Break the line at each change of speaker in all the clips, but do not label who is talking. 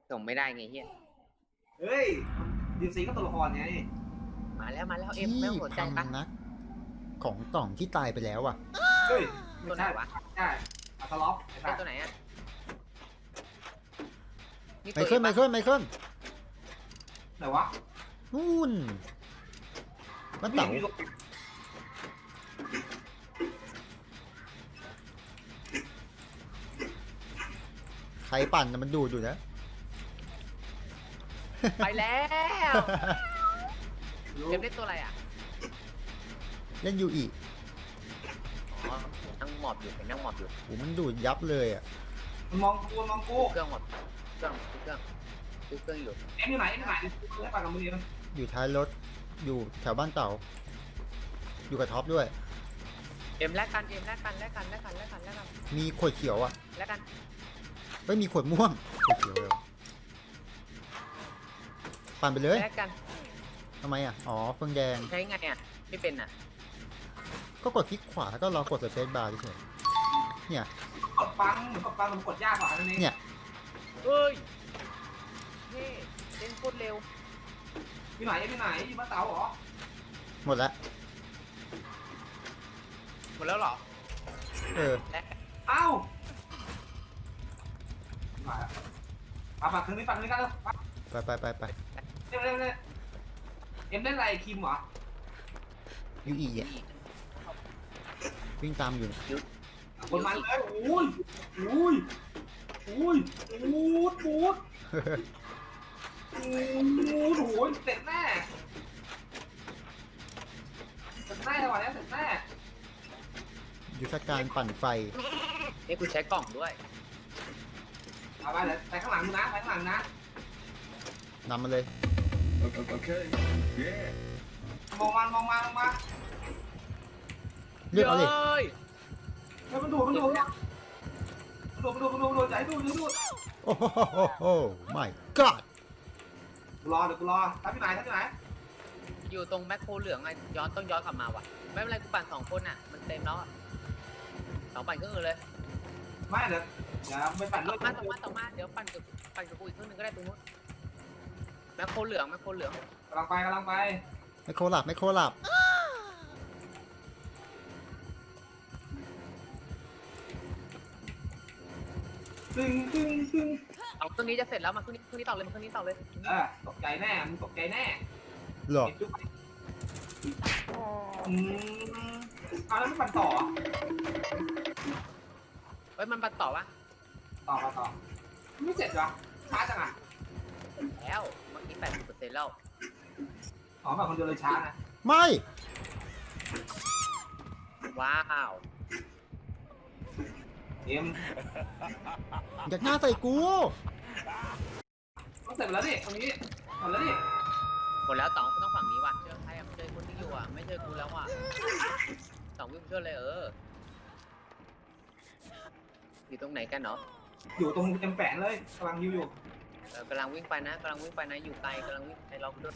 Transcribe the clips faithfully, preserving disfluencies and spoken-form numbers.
ส่งไม่ได้ไงเฮีย
เฮ้ยดีซีก็ตัวละครไง
มาแล้วมาแล้วเอ็ม
ที่
ไม่ต้องสนใจปะ
พำนักของกล่องที่ตายไปแล้วอ่ะ
เฮ้ย
ตัวไหนวะ
ใช่อัสล็อปไอ้
ไอ้
สัตว์
ตัวไหนอะนี่
ไม
ตัว
เคิลไมเคิลไมเคิล
ไหนวะ
นู่นบ้านเต๋าใครปั่นน่ะมันดูดอยู่นะ
ไปแล้วเอ็มได้ตัวอะไรอ่ะ
เล่นยูอี
อ๋อนั่งหมอบอยู่เห็นนั่งหมอบอยู่
โอ้มันดูดยับเลยอ่ะ
มันมองกูมันมองกู
เครื่องหมดเครื่องเครื่องเครื่องอยู่
เอ็มอยู่ไหนเอ็มอยู่ไหนให้ปากกับมือมัน
อยู่ท้ายรถอยู่แถวบ้านเต๋าอยู่กับท็อปด้วย
เอ็มแลกกันเอ็มแลกกันแลกกันแลกกันแลกกันแลกกัน
มีขวดเขียวอ่ะ
แลกกัน
ไม่มีขวดม่วงขวดเขียวเลยปั่นไปเลย
แลกกัน
ทำไมอ่ะอ๋อเฟืองแดง
ใช้ไงอ่ะไม่เป็นอ่ะ
ก็กดคลิกขวาแล้วก็รอกดสเปซบาร์เฉยๆเนี่ย
กดปังเหมือนกดปังมันกดยากกว่านั่นเอง
เนี่ย
เฮ้ยเฮ้เล่นโคตรเร็ว
อยู่ไหนเอ็มอยู่ไหนอยู่บ้านเต๋าเหรอ
หมดแล้ว
หมดแล้วเหรอ
เออ
แลก
เอ้ามาปาปาคืนนี้ปาคืนนี้กันเลย
ไปไปไปไป
เร็วเร็วเร็วเอ็มเล่นอะไรคิมเหรอ
ยูอีอ่ะวิ่งตามอยู่เนี่ย
คนมันเลยอุ้ยอุ้ยอุ้ยปูดปูดปูดโอ้ยเสร็จแน่เสร็จแน่วันนี้เสร็จแน่
ยุทธการปั่นไฟ
นี่กูใช้กล่องด้วย
เอาไปเลยไปข้างหลังมึงนะไปข้างหลังนะ
นำมาเลย
Okay. Yeah.
มองมันมองมันมองมา
เลือกเอาดิ
เฮ้ย
เฮ้ยมันดูดมันดูดเนี่ยมันดูดมันดูดมันดูดมันดูดอย่าให้ดูดอย่าให้ดูด
โอ้โหโอ้ my god
กูรอเดี๋ยวกูรอทับที่ไหนทับที่ไหน
อยู่ตรงแมคโครเหลืองไงย้อนต้องย้อนกลับมาว่ะไม่เป็นไรกูปั่นสองคนอ่ะมันเต็มแล้วอะสองปั่นเครื่องอื่นเลย
ไม่เดี๋ยวเดี๋ยวไปปั่น
ต่
เลื
อ
อด
มาต่อมาต่อมาเดี๋ยวปั่นกับปั่นกับกูอีกเครื่องหนึงก็ได้ตรงนู้นแมคโครเหลืองแมคโครเหลือง
กำลังไปกำลังไป
ไม่โคลับไม่โคลับ
ตึงตึงตึง
เอาเครื่องนี้จะเสร็จแล้วมาเครื่องนี้เครื่องนี้ต่อเลยมาเครื่องนี้ต่อเลย
เออตกใจแน่มึงตกใจแน่
หรอ
เก็บจุ๊บอืมเอาแล้วไม่ปั่นต่อ
เฮ้ยมันปั่นต่อวะ
ต่อต่อต่อไม่เสร็จเหรอช้าจังอ่ะ
แล้วเมื่อกี้แปดสิบเปอร์เซ็นต์แล้ว
อ๋อแบบคนเดียวเลยช้านะ
ไม่
ว้าว
เอ็ม
อยากหน้าใส่กู
ต้องเสร็จไปแล้วดิตรงนี้หมดแล้วดิ
หมดแล้วต๋องกูต้องฝั่งนี้ว่ะเจอใครอ่ะเจอคนที่อยู่อ่ะไม่เจอกูแล้วอ่ะต๋องวิ่งไปช่วยเลยเอออยู่ตรงไหนกันเนาะ
อยู่ตรงเอ็มแฝงเลยกำลังยิวอยู่
เออกำลังวิ่งไปนะกำลังวิ่งไปนะอยู่ไกลกำลังวิ่งไปเราด้วย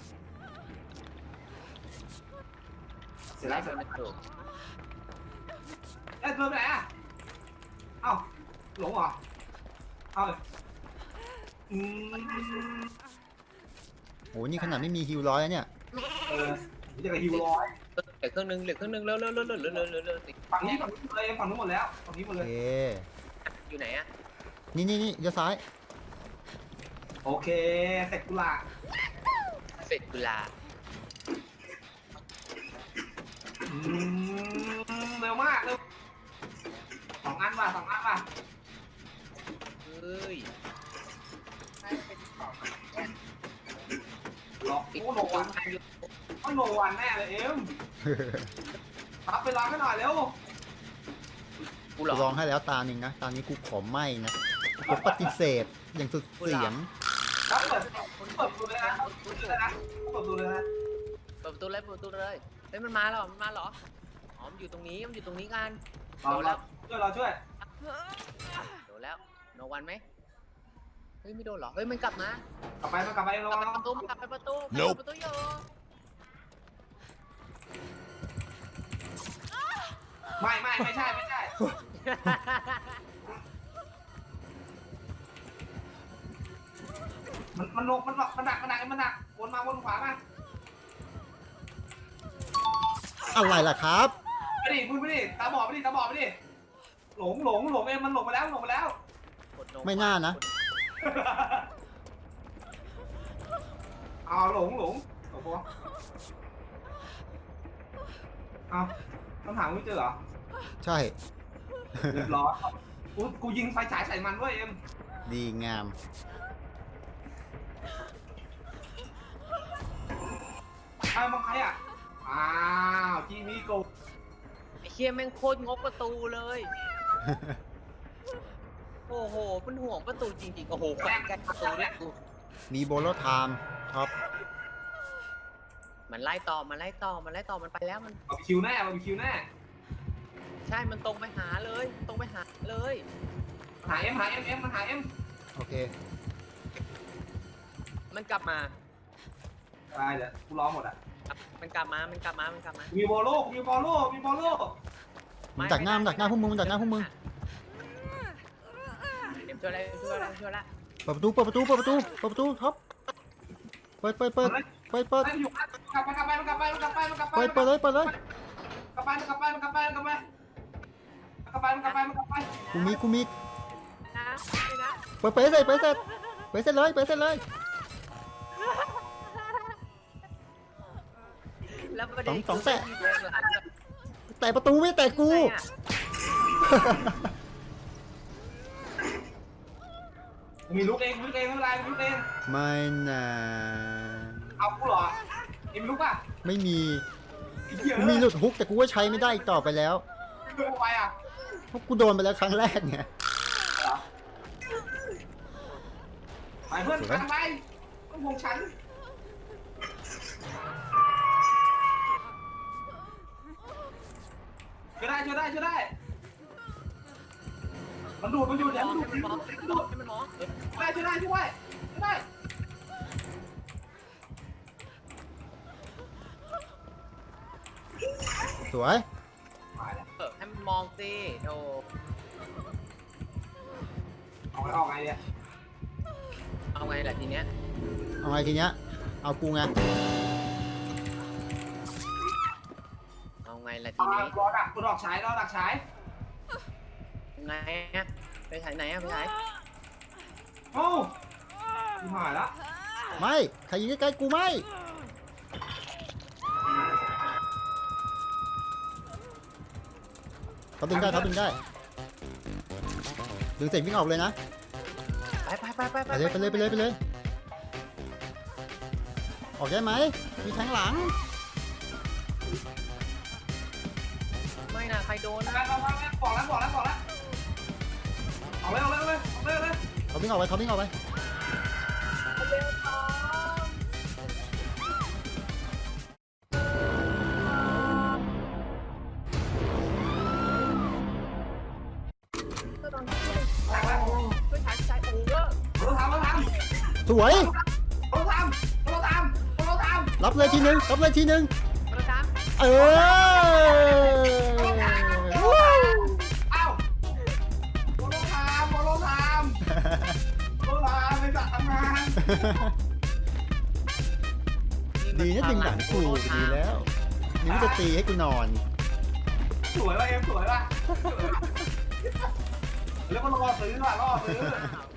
เสร็จแล้วเสร็จ
โด
แล้ว
นถูก
เอ้ยเดินไปไหนอ่ะเอ้าหลงเหรอเอาเลยอืม
โหนี่ขนาดไม่มีฮิวร้อยแล้วเนี่ย
เออนี่จะกับฮิวร้อย
เหลือเครื่องนึงเหลือเครื่องนึงเร็วเร็วเร็วเร็วเร็วเร็วเร็วเร็วสิ
ฝั่งนี้ฝั่งนี้เลยฝั่งนู้นหมดแล้วฝั่งนี้หมด
โอ
เลย
เค
อยู่ไหนอ่ะ
นี่นี่นี่เลี้ยวซ้าย
โอเคเสร็จกุหลาบ
เสร็จกุลา
อืมเร็วมากเร็วสองอันว่ะสองอันว่ะ
เฮ้ย
หลอก
ติด
โอ้โน
ตัว
วัน
พันอยู่
โอ้โนวันแน่เลยเอ็มรับไปร้านให้หน่อยเร็ว
กูหล
กู
อก
ลองให้แล้วตาหนึ่งนะ ตานี้กูขอไม่นะกูปฏิเสธอย่างสุดเสียง
รับเปิดเปิดดูเลยนะเปิดดูเลยนะเปิดดูเลยนะ
เปิดประตูเลยเปิดประตูเลยเฮ้ยมันมาแล้วมันมาเหรออ๋อมันอยู่ตรงนี้มันอยู่ตรงนี้กัน
รอเราช่วยเราช่วย
โดนแล้วโนวันไหมเฮ้ยไม่โดนเหรอเฮ้ยมันกลับมาก
ลับไปมากลับไป
ก
ระ
ลับ
วัง
ไปประตูมันกลับไปประตูกลับไปประตูอยู่
ไม่ไม่ไม่ใช่ไม่ใช่มันมันลงมันหลอกมันหนักมันหนักมันหนักวนมาวนขวามา
อะไรล่ะครับ
ไปดิมึงไปดิตาบอดไปดิตาบอดไปดิหลงหลงหลงเองมันหลงไปแล้วหลงไปแล้ว
กดโน
ไม่น่านะ
เอาหลงหลงโอ้โหเอาต้องถามไม่เจอเหรอ
ใช่
เรียบร้อยกูกูยิงไฟฉายใส่มันด้วยเอ็ม
ดีงาม
ใครมองใครอ่ะอ้าวจีมีโก
ไอ้เชี่ยแม่งโคตรงกประตูเลย โอ้โหมันห่วงประตูจริงๆ โอ้โหแขวนกันประตูด้วยกู
มีโบโลไทม์ท็อป
มันไล่ต่อ มันไล่ต่อ มันไล่ต่อ มันไปแล้วมัน
บาร์บีคิวแน่บาร์บีคิวแน่
ใช่ มันตรงไปหาเลย ตรงไปหาเลย
หาเอ็มหาเอ็มเอ็มมันหาเอ็ม
โอเค
มันกลับมา
ตายเดี๋ยวกูร้องหมดอ่ะ
มันกลับมา มันกลับมา มันกลับมา
มีบอลโลกมีบอลโลกมีบอลโลก
มันดักหน้ามันดักหน้าพวกมึงมันดักหน้าพวกมึง
เดี๋ยวช่วยอะไรช่วยอะไรช่วยละ
เปิดประตูเปิดประตูเปิดประตูเปิดประตูท็อปเปิดเปิดเปิดเปิดเปิด
ไปอยู่กลับไปกลับไปกลับไปกลับไปกลับไป
เปิดเปิดเลยเปิดเลย
กลับไปกลับไปกลับไปกลับไปกลับไปกลับไปกลับไป
กูมีกูมี
นะไม่นะ
เปิดเปิดให้เสร็จเปิดให้เสร็จเปิดให้เสร็จเลยเปิดให้เสร็จเลย
แล้วประเด็น
สองแตะ
คือที่โดนหลังจาก
แต่ประตูไม่แตะกู
ไหนอะ
มีลูกเองลูกเองไม่เป็นไรลูกเอง
ไม่นะ
เอากูเหรอเอ็มลูกป่ะ
ไม่มี
ไอ้เหี้ย
กูมีหลุดฮุกแต่กูก็ใช้ไม่ได้อีกต่อไปแล้ว
เรื่องอะไรอ่ะ
เพราะกูโดนไปแล้วครั้งแรกเนี่ย
ไปเพื่อนทางไปต้องวงฉันช่วยได้ช่วยได้ช่วยได้มันดูดมันดูด
ม
เดี๋ยว
อง
มันดู
ให้
ด
มัน
มัน
ม
ดู
อง
ด
ให้มันมองเออ
ช่วยได้ช่วยได้ช่วยได้ช่วยได้
สวย
เออให้มันมองสิโธ่
เอาไปออกไงเนี่ย
เอาไงล่ะทีเนี้ย
เอาไงทีเนี้ยเอากูไง
เอาไงล่ะที
เอา
นี้
รอดักกูดอกฉายรอดักฉาย
ไงอะไปถ่ายไหนอะไปถ่าย
โอ้ยหายละ
ไม่ใครยิงใกล้ๆกูไม่เขาดึงได้เขาดึงได้ดึงเสร็จวิ่งออกเลยนะ
ไปไปไปไป
ไปเลยไปเลยไปเลยไปเลยออกได้ไหมมีแทงหลัง
ไม่นะใครโดน
ไปไปไปบอกแล้วบอกแล้วบอกแล้วเอาเลยเอาเลยเอาเลยเอาเลยเอาเลย
เขาวิ่งออกไปเขาวิ่งออกไป
ก็ต้องช่วยช่วยถ่ายถ่ายโอ้โห
เราทำเราทำ
สวย
เราทำเราทำเราทำ
รับเลยทีนึงรับเลยทีนึง
เราจ้า
เออ
เอ้าโมโลทามโมโลทามโมโลทามเป็นสัตว์ทำงาน
ดีนะดึงหลังกูดีแล้วนี่ไม่จะตีให้กูนอน
สวยว่ะเอ็มสวยว่ะแล้วก็รอซื้อว่ะรอซื้อ